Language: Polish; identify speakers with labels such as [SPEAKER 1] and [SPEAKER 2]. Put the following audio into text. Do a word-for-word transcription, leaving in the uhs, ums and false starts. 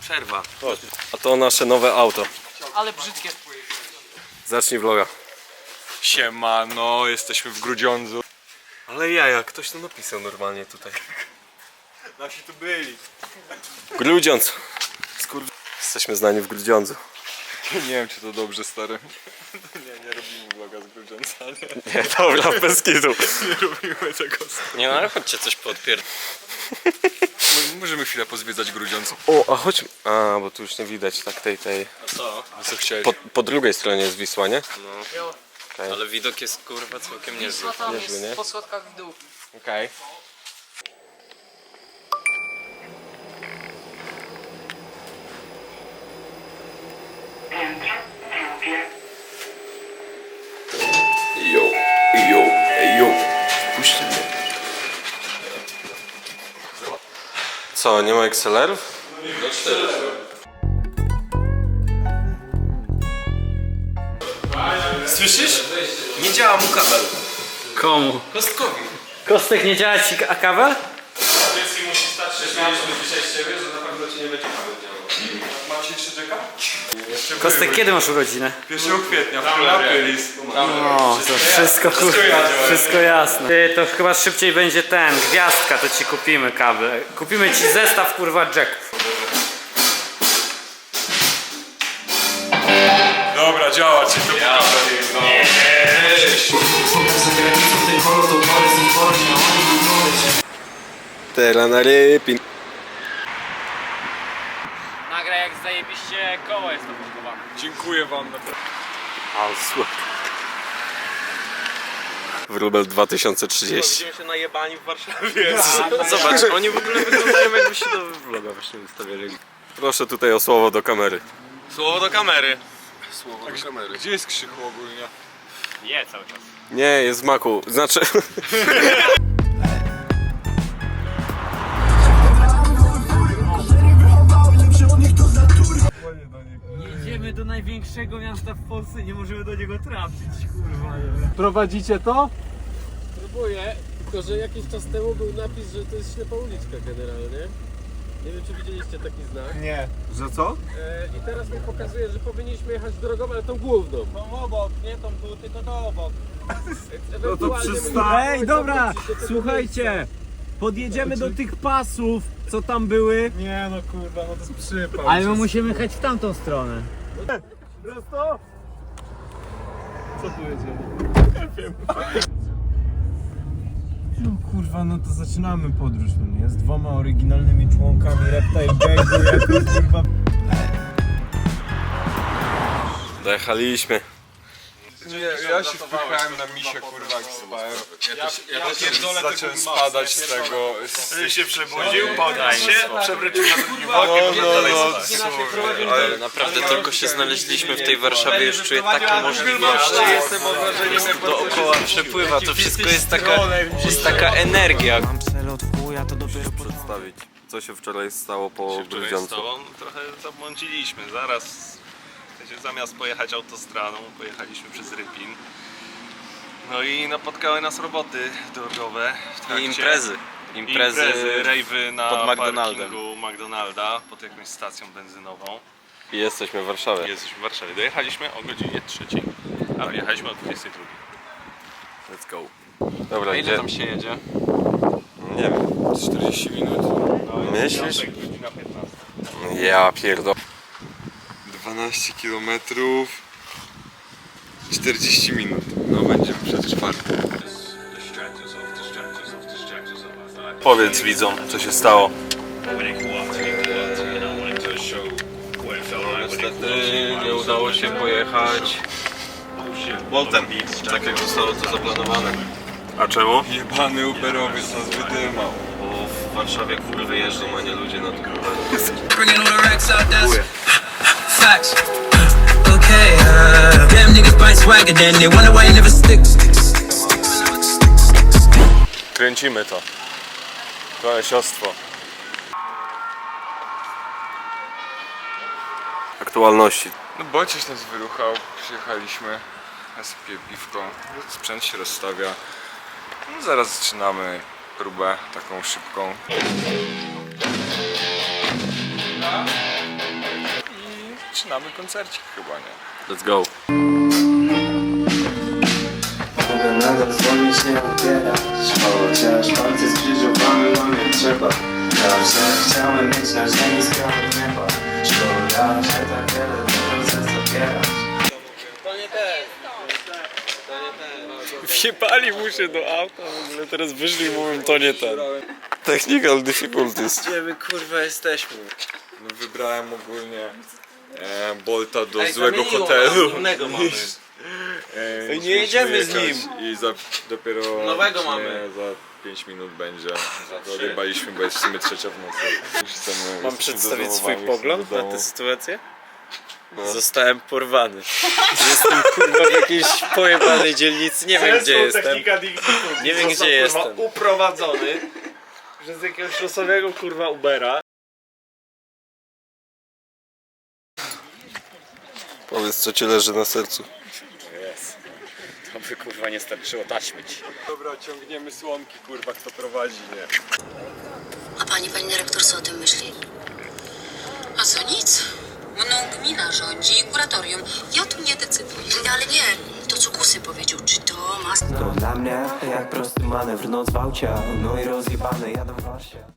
[SPEAKER 1] Przerwa.
[SPEAKER 2] Chodź. A to nasze nowe auto.
[SPEAKER 3] Ale brzydkie.
[SPEAKER 2] Zacznij vloga.
[SPEAKER 4] Siemano, jesteśmy w Grudziądzu.
[SPEAKER 2] Ale jaja, ktoś to napisał normalnie tutaj.
[SPEAKER 4] Nasi tu byli.
[SPEAKER 2] Grudziądz. Skur... Jesteśmy znani w Grudziądzu.
[SPEAKER 4] Nie wiem, czy to dobrze, stary. Nie, nie robimy vloga z Grudziądza, nie.
[SPEAKER 2] Nie, dobra, bez kitu.
[SPEAKER 4] Nie robimy tego.
[SPEAKER 1] Nie no, ale chodźcie coś podpier...
[SPEAKER 4] Możemy chwilę pozwiedzać Grudziądz.
[SPEAKER 2] O, a chodź. A, bo tu już nie widać tak tej, tej.
[SPEAKER 1] A co?
[SPEAKER 4] Co chciałeś?
[SPEAKER 2] Po, po drugiej stronie jest Wisła, nie?
[SPEAKER 1] No.
[SPEAKER 2] Okay.
[SPEAKER 1] Ale widok jest kurwa całkiem niezły.
[SPEAKER 3] Wisła tam
[SPEAKER 2] Niezły, nie?
[SPEAKER 3] jest po schodkach w dół.
[SPEAKER 2] Okej. Jo, jo, jo. Puśćcie mnie. Co, nie ma X L R-ów?
[SPEAKER 1] Słyszysz? Nie działa mu kabel.
[SPEAKER 3] Komu?
[SPEAKER 1] Kostkowi.
[SPEAKER 3] Kostek, nie działa ci a kabel?
[SPEAKER 4] Dziecki musi stać się mieliśmy dzisiaj z ciebie, że na pewno ci nie będzie kabel działał. Macie jeszcze czeka?
[SPEAKER 3] Kostek, kiedy masz urodzinę?
[SPEAKER 4] pierwszego kwietnia, w Polarylis.
[SPEAKER 3] O, to wszystko, wszystko, wszystko jasne. Ty, to chyba szybciej będzie ten, gwiazdka, to ci kupimy kabel. Kupimy ci zestaw kurwa jacków.
[SPEAKER 4] Dobra, działa ci to kabel.
[SPEAKER 2] Teraz na rypin.
[SPEAKER 3] Nagraj jak zajebiście koło jest nabudowane.
[SPEAKER 4] Dziękuję wam.
[SPEAKER 2] Wróbel dwa tysiące trzydzieści.
[SPEAKER 1] Widzimy się najebani w Warszawie. Zobacz, oni w ogóle wyglądają jakby się do vloga właśnie wystawiali.
[SPEAKER 2] Proszę tutaj o słowo do kamery.
[SPEAKER 1] Słowo do kamery.
[SPEAKER 4] Słowo do kamery. Gdzie jest Krzychu ogólnie?
[SPEAKER 3] Je cały czas.
[SPEAKER 2] Nie, jest w maku. Znaczy...
[SPEAKER 3] Jedziemy do największego miasta w Polsce, nie możemy do niego trafić, kurwa.
[SPEAKER 5] Prowadzicie to?
[SPEAKER 6] Próbuję, tylko że jakiś czas temu był napis, że to jest ślepa uliczka generalnie. Nie wiem, czy widzieliście taki znak.
[SPEAKER 5] Nie. Że co?
[SPEAKER 6] E, I teraz mi pokazuje, że powinniśmy jechać drogą, ale tą główną.
[SPEAKER 3] Tą obok, nie tą tu, tylko to obok.
[SPEAKER 5] No to przystań. Ej, dobra, słuchajcie. Podjedziemy do tych pasów, co tam były. Nie no kurwa, no to jest przypał.
[SPEAKER 3] Ale my musimy jechać w tamtą stronę.
[SPEAKER 5] Prosto? Co tu jedziemy? Nie wiem. No kurwa, no to zaczynamy podróż, no nie? Z dwoma oryginalnymi członkami Reptile Gangu, jako kurwa...
[SPEAKER 2] Dojechaliśmy.
[SPEAKER 4] Nie, ja się wpychałem na misie, kurwa, jak spałem. Ja też, ja też zacząłem spadać z tego... Z...
[SPEAKER 1] się przebudził, podaj się, przewrócił na drugim
[SPEAKER 4] No, no, no,
[SPEAKER 1] Ale naprawdę tylko się znaleźliśmy w tej Warszawie, już czuję takie możliwości. Dookoła przepływa, to wszystko jest taka, jest taka energia.
[SPEAKER 3] Mam cel od chuja, to dopiero
[SPEAKER 2] Przedstawić, co się wczoraj stało po
[SPEAKER 7] Wczoraj z
[SPEAKER 2] Grudziądzu.
[SPEAKER 7] tobą trochę zabłądziliśmy. Zaraz, w sensie, zamiast pojechać autostradą, pojechaliśmy przez Rypin. No i napotkały nas roboty drogowe w
[SPEAKER 1] I
[SPEAKER 7] trakcie...
[SPEAKER 1] imprezy. Imprezy,
[SPEAKER 7] Imprezy, rejwy na
[SPEAKER 1] pod McDonaldem.
[SPEAKER 7] parkingu McDonalda, pod jakąś stacją benzynową.
[SPEAKER 2] I jesteśmy w Warszawie.
[SPEAKER 7] Jesteśmy w Warszawie. Dojechaliśmy o godzinie trzeciej, a wyjechaliśmy o dwudziestej drugiej.
[SPEAKER 2] Let's go. Dobra,
[SPEAKER 1] A ile
[SPEAKER 2] gdzie?
[SPEAKER 1] tam się jedzie?
[SPEAKER 2] Nie wiem.
[SPEAKER 4] czterdzieści minut.
[SPEAKER 2] Myślisz?
[SPEAKER 7] Godzina piętnasta.
[SPEAKER 2] Ja pierdol...
[SPEAKER 4] dwanaście kilometrów. czterdzieści minut. No będziemy przetrwali.
[SPEAKER 2] Powiedz widzom, co się stało.
[SPEAKER 1] Niestety nie udało się pojechać Boltem, tak jak zostało to zaplanowane.
[SPEAKER 2] A czemu?
[SPEAKER 4] Jebany Uberowiec nas wydymał.
[SPEAKER 1] Bo w Warszawie kurwy jeżdżą, a nie ludzie nad grubami.
[SPEAKER 8] Bringing all the racks out, that's facts. Okay, uh, them niggas buy swagger, then they wonder why you never stick.
[SPEAKER 2] Kręcimy to. Kolesiostwo. Aktualności.
[SPEAKER 4] No Bociś nas wyruchał, przyjechaliśmy, ja sobie piję piwko, sprzęt się rozstawia. No zaraz zaczynamy próbę taką szybką. zaczynamy koncercik chyba, nie?
[SPEAKER 2] Let's go.
[SPEAKER 9] Mogę nadal dzwonić, nie odbierać, chociaż palce skrzyżowane, no nie trzeba. Zawsze chciałem mieć na ziemi skrawę nieba. Szkoda, że tak wiele proces zabierać.
[SPEAKER 2] Wjebali mu się do auta, w ogóle teraz wyszli i mówią, to nie ten. Technical difficulties.
[SPEAKER 1] Gdzie my kurwa jesteśmy?
[SPEAKER 4] No wybrałem ogólnie e, Bolta do
[SPEAKER 1] Ej,
[SPEAKER 4] złego
[SPEAKER 1] zamieniło
[SPEAKER 4] hotelu.
[SPEAKER 1] nas, innego mamy.
[SPEAKER 4] E,
[SPEAKER 1] Ej, nie
[SPEAKER 4] musimy
[SPEAKER 1] jedziemy z
[SPEAKER 4] wyjechać
[SPEAKER 1] nim.
[SPEAKER 4] I za, dopiero
[SPEAKER 1] Nowego
[SPEAKER 4] nie,
[SPEAKER 1] mamy.
[SPEAKER 4] za pięć minut będzie. Odjebaliśmy, bo jest w sumie trzecia w nocy. Już chcemy,
[SPEAKER 1] Mam
[SPEAKER 4] jesteśmy
[SPEAKER 1] przedstawić swój
[SPEAKER 4] zadowoleni,
[SPEAKER 1] pogląd
[SPEAKER 4] chcemy do
[SPEAKER 1] na
[SPEAKER 4] domu.
[SPEAKER 1] tę sytuację? Zostałem porwany. Jestem kurwa w jakiejś pojebanej dzielnicy, nie wiem gdzie jestem. Nie wiem gdzie jestem.
[SPEAKER 7] Uprowadzony przez jakiegoś losowego kurwa Ubera.
[SPEAKER 2] Powiedz, co ci leży na sercu.
[SPEAKER 3] To by kurwa nie starczyło taśmy ci.
[SPEAKER 4] Dobra, ciągniemy słomki, kurwa, kto prowadzi, nie?
[SPEAKER 10] A pani, pani dyrektor, co o tym myśli? A co, nic. Mną gmina rządzi i kuratorium. Ja tu nie decyduję. Ale nie, to co Kusy powiedział, czy to ma...
[SPEAKER 9] To dla mnie jak prosty manewr, noc w aucie, no i rozjebane, jadę w wasie.